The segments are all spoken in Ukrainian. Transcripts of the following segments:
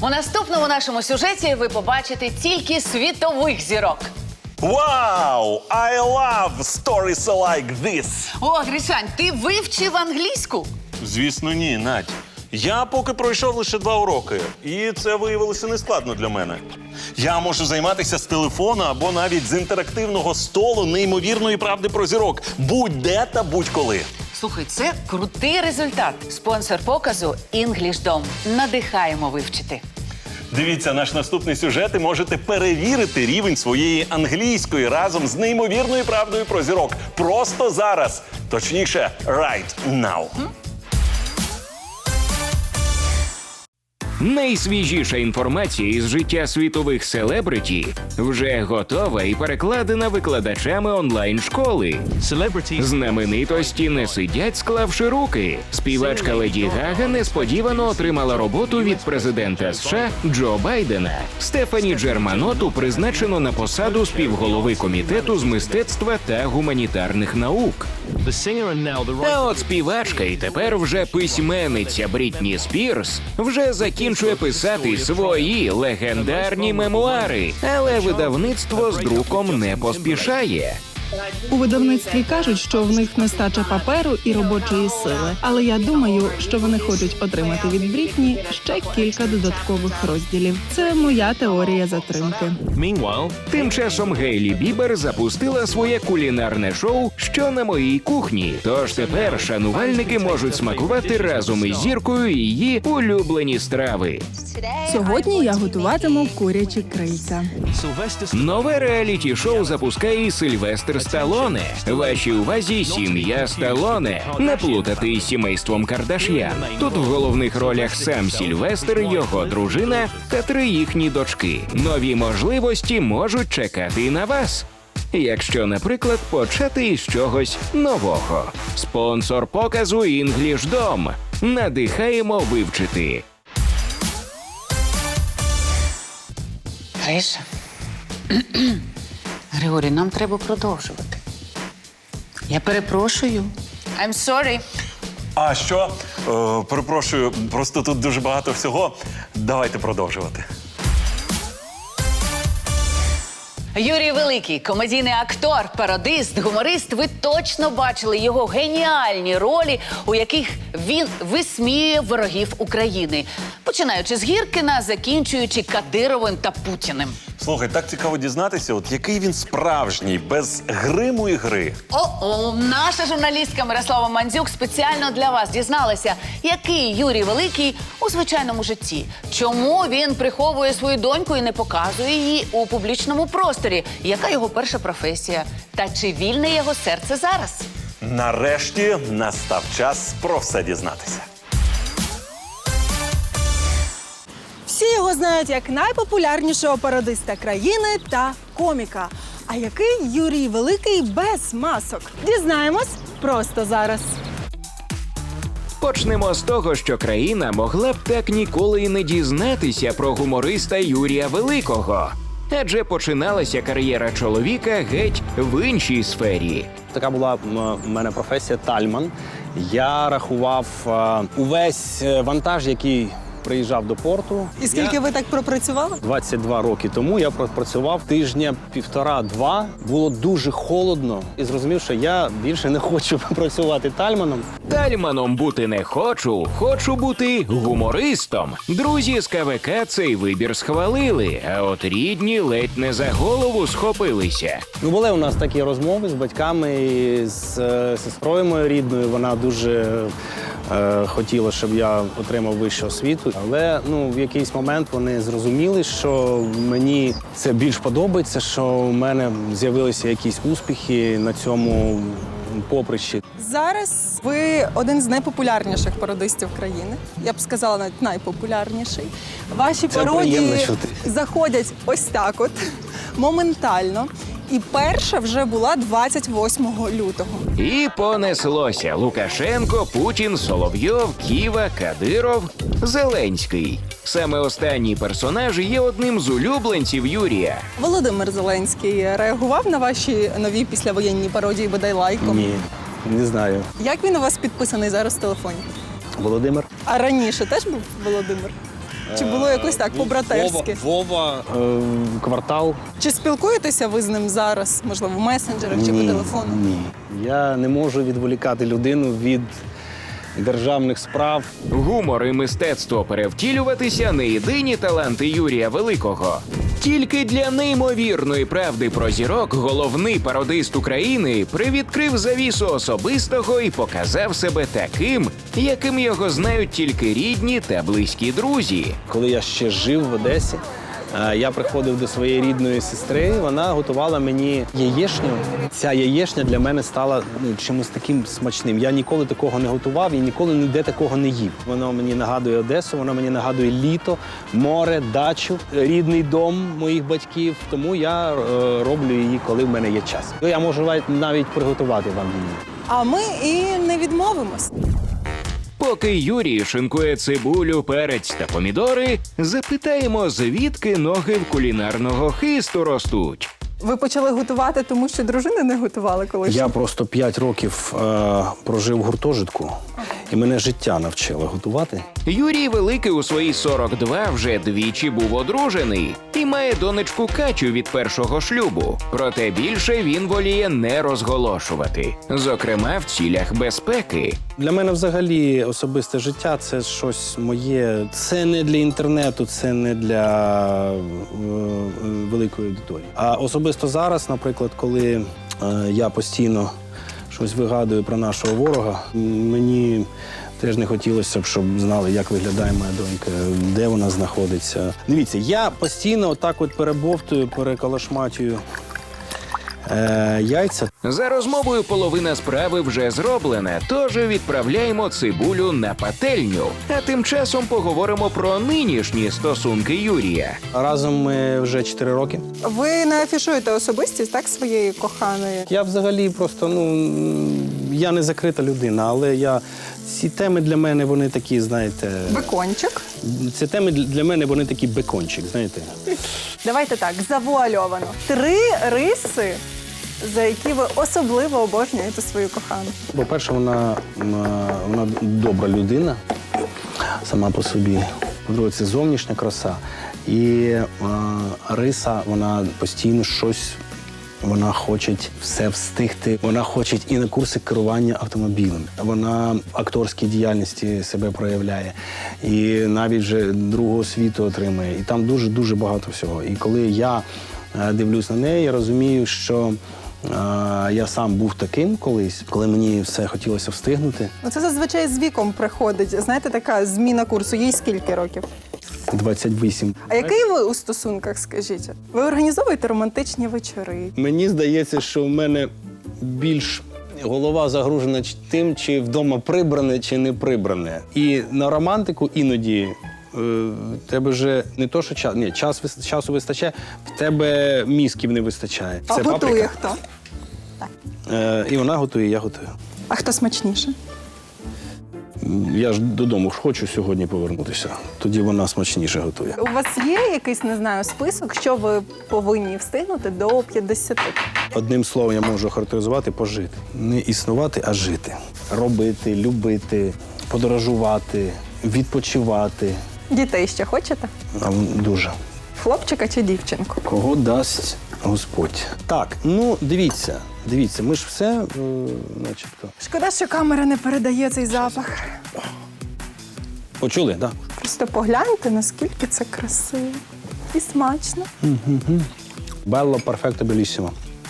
У наступному нашому сюжеті ви побачите тільки світових зірок. Wow! I love stories like this! О, Гришань, ти вивчив англійську? Звісно, ні, Надь. Я поки пройшов лише 2 уроки, і це виявилося нескладно для мене. Я можу займатися з телефона або навіть з інтерактивного столу неймовірної правди про зірок. Будь-де та будь-коли. Слухай, це крутий результат. Спонсор показу «Інглішдом». Надихаємо вивчити. Дивіться наш наступний сюжет і можете перевірити рівень своєї англійської разом з неймовірною правдою про зірок. Просто зараз. Точніше, right now. Найсвіжіша інформація із життя світових селебриті вже готова і перекладена викладачами онлайн-школи. Знаменитості не сидять, склавши руки. Співачка Леді Гага несподівано отримала роботу від президента США Джо Байдена. Стефані Джерманоту призначено на посаду співголови комітету з мистецтва та гуманітарних наук. Та от співачка і тепер вже письменниця Брітні Спірс вже закінчує писати свої легендарні мемуари, але видавництво з друком не поспішає. У видавництві кажуть, що в них нестача паперу і робочої сили. Але я думаю, що вони хочуть отримати від Брітні ще кілька додаткових розділів. Це моя теорія затримки. Тим часом Гейлі Бібер запустила своє кулінарне шоу «Що на моїй кухні». Тож тепер шанувальники можуть смакувати разом із зіркою її улюблені страви. Сьогодні я готуватиму курячі крильця. Нове реаліті-шоу запускає і Сильвестр Сталоне. Вашій увазі «Сім'я Сталоне». Не плутати із сімейством Кардаш'ян. Тут в головних ролях сам Сильвестр, його дружина та 3 їхні дочки. Нові можливості можуть чекати і на вас. Якщо, наприклад, почати із чогось нового. Спонсор показу «Інглішдом». Надихаємо вивчити. Гриша. Григорій, нам треба продовжувати. Я перепрошую. I'm sorry. А що? Перепрошую, просто тут дуже багато всього. Давайте продовжувати. Юрій Великий, комедійний актор, пародист, гуморист. Ви точно бачили його геніальні ролі, у яких він висміює ворогів України. Починаючи з Гіркіна, закінчуючи Кадировим та Путіним. Слухай, так цікаво дізнатися, от який він справжній, без гриму і гри. О-о, наша журналістка Мирослава Мандзюк спеціально для вас дізналася, який Юрій Великий у звичайному житті. Чому він приховує свою доньку і не показує її у публічному просторі? Яка його перша професія? Та чи вільне його серце зараз? Нарешті настав час про все дізнатися. Всі його знають як найпопулярнішого пародиста країни та коміка. А який Юрій Великий без масок? Дізнаємось просто зараз. Почнемо з того, що країна могла б так ніколи і не дізнатися про гумориста Юрія Великого. Адже починалася кар'єра чоловіка геть в іншій сфері. Така була в мене професія тальман. Я рахував увесь вантаж, який приїжджав до порту. І скільки ви так пропрацювали? 22 роки тому я пропрацював тижня 1,5-2. Було дуже холодно і зрозумів, що я більше не хочу працювати тальманом. Тальманом бути не хочу, хочу бути гумористом. Друзі з КВК цей вибір схвалили, а от рідні ледь не за голову схопилися. Ну, були у нас такі розмови з батьками, і з сестрою моєю рідною. Вона дуже хотіла, щоб я отримав вищу освіту. Але в якийсь момент вони зрозуміли, що мені це більш подобається, що в мене з'явилися якісь успіхи на цьому поприщі. Зараз ви один з найпопулярніших пародистів країни. Я б сказала, навіть найпопулярніший. Ваші пародії заходять ось так от, моментально. І перша вже була 28 лютого. І понеслося. Лукашенко, Путін, Соловйов, Ківа, Кадиров, Зеленський. Саме останній персонаж є одним з улюбленців Юрія. Володимир Зеленський реагував на ваші нові післявоєнні пародії бодай лайком? Ні, не знаю. Як він у вас підписаний зараз в телефоні? Володимир. А раніше теж був Володимир? Чи було якось так, по-братерськи? Вова, квартал. Чи спілкуєтеся ви з ним зараз, можливо, в месенджерах чи по телефону? Ні. Я не можу відволікати людину від державних справ. Гумор і мистецтво перевтілюватися – не єдині таланти Юрія Великого. Тільки для неймовірної правди про зірок головний пародист України привідкрив завісу особистого і показав себе таким, яким його знають тільки рідні та близькі друзі. Коли я ще жив в Одесі, я приходив до своєї рідної сестри, вона готувала мені яєчню. Ця яєчня для мене стала чимось таким смачним. Я ніколи такого не готував і ніколи ніде такого не їв. Воно мені нагадує Одесу, воно мені нагадує літо, море, дачу, рідний дом моїх батьків. Тому я роблю її, коли в мене є час. Я можу навіть приготувати вам її. А ми і не відмовимось. Поки Юрій шинкує цибулю, перець та помідори, запитаємо, звідки ноги в кулінарного хисту ростуть. Ви почали готувати, тому що дружини не готували колись? Я просто 5 років прожив в гуртожитку, і мене життя навчило готувати. Юрій Великий у свої 42 вже двічі був одружений і має донечку Катю від першого шлюбу. Проте більше він воліє не розголошувати, зокрема в цілях безпеки. Для мене взагалі особисте життя – це щось моє. Це не для інтернету, це не для великої аудиторії. А особисто зараз, наприклад, коли я постійно щось вигадую про нашого ворога, мені теж не хотілося б, щоб знали, як виглядає моя донька, де вона знаходиться. Дивіться, я постійно отак от перебовтую, переколошматюю яйця. За розмовою половина справи вже зроблена, тож відправляємо цибулю на пательню. А тим часом поговоримо про нинішні стосунки Юрія. Разом ми вже 4 роки. Ви не афішуєте особистість, так, своєї коханої? Я взагалі просто, я не закрита людина, але ці теми для мене, вони такі, знаєте... Бекончик. Ці теми для мене, вони такі бекончик, знаєте. Давайте так, завуальовано. 3 риси, за які ви особливо обожнюєте свою кохану. По-перше, вона добра людина сама по собі. По-друге, це зовнішня краса. І риса, вона постійно щось, вона хоче все встигти. Вона хоче і на курси керування автомобілем. Вона в акторській діяльності себе проявляє. І навіть вже другу освіту отримує. І там дуже-дуже багато всього. І коли я дивлюсь на неї, я розумію, що я сам був таким колись, коли мені все хотілося встигнути. Це зазвичай з віком приходить. Знаєте, така зміна курсу. Їй скільки років? 28. А який ви у стосунках, скажіть? Ви організовуєте романтичні вечори? Мені здається, що в мене більш голова загружена тим, чи вдома прибране, чи не прибране. І на романтику іноді в тебе вже не то, що часу вистачає, в тебе мізків не вистачає. А Це готує паприка. хто? І вона готує, і я готую. А хто смачніше? Я ж додому хочу сьогодні повернутися. Тоді вона смачніше готує. У вас є якийсь, не знаю, список, що ви повинні встигнути до 50? Одним словом я можу характеризувати – пожити. Не існувати, а жити. Робити, любити, подорожувати, відпочивати. Дітей ще хочете? Дуже. Хлопчика чи дівчинку? Кого дасть Господь. Так, дивіться, ми ж все, начебто. Шкода, що камера не передає цей запах. Почули, так? Просто погляньте, наскільки це красиво і смачно. Белло, перфекто, белісімо.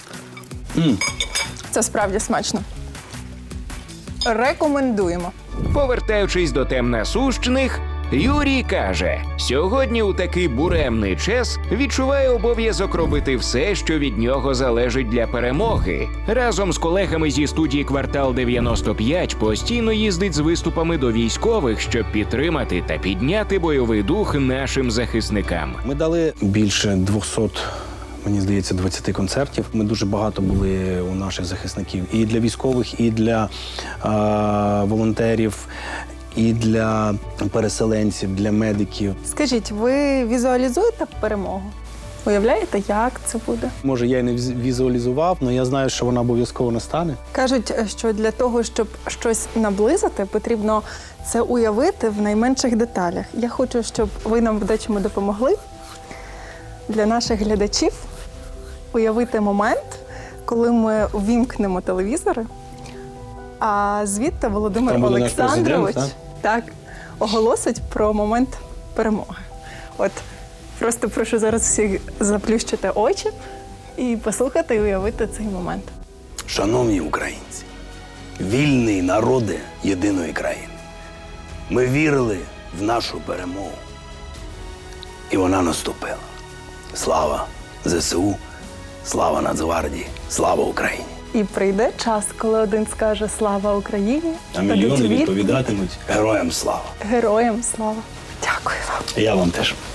Це справді смачно. Рекомендуємо. Повертаючись до тем насущних, Юрій каже, сьогодні у такий буремний час відчуває обов'язок робити все, що від нього залежить для перемоги. Разом з колегами зі студії «Квартал 95» постійно їздить з виступами до військових, щоб підтримати та підняти бойовий дух нашим захисникам. Ми дали більше 200, мені здається, 20 концертів. Ми дуже багато були у наших захисників. І для військових, і для волонтерів, і для переселенців, для медиків. Скажіть, ви візуалізуєте перемогу? Уявляєте, як це буде? Може, я і не візуалізував, але я знаю, що вона обов'язково настане. Кажуть, що для того, щоб щось наблизити, потрібно це уявити в найменших деталях. Я хочу, щоб ви нам в дечому допомогли для наших глядачів уявити момент, коли ми ввімкнемо телевізори, а звідти Володимир Там буде наш Олександрович президент, так, оголосить про момент перемоги. От просто прошу зараз всіх заплющити очі і послухати і уявити цей момент. Шановні українці, вільні народи єдиної країни. Ми вірили в нашу перемогу. І вона наступила. Слава ЗСУ, слава Нацгвардії, слава Україні. І прийде час, коли один скаже «Слава Україні», А мільйони відповідатимуть героям слава. Героям слава. Дякую вам. Я вам теж.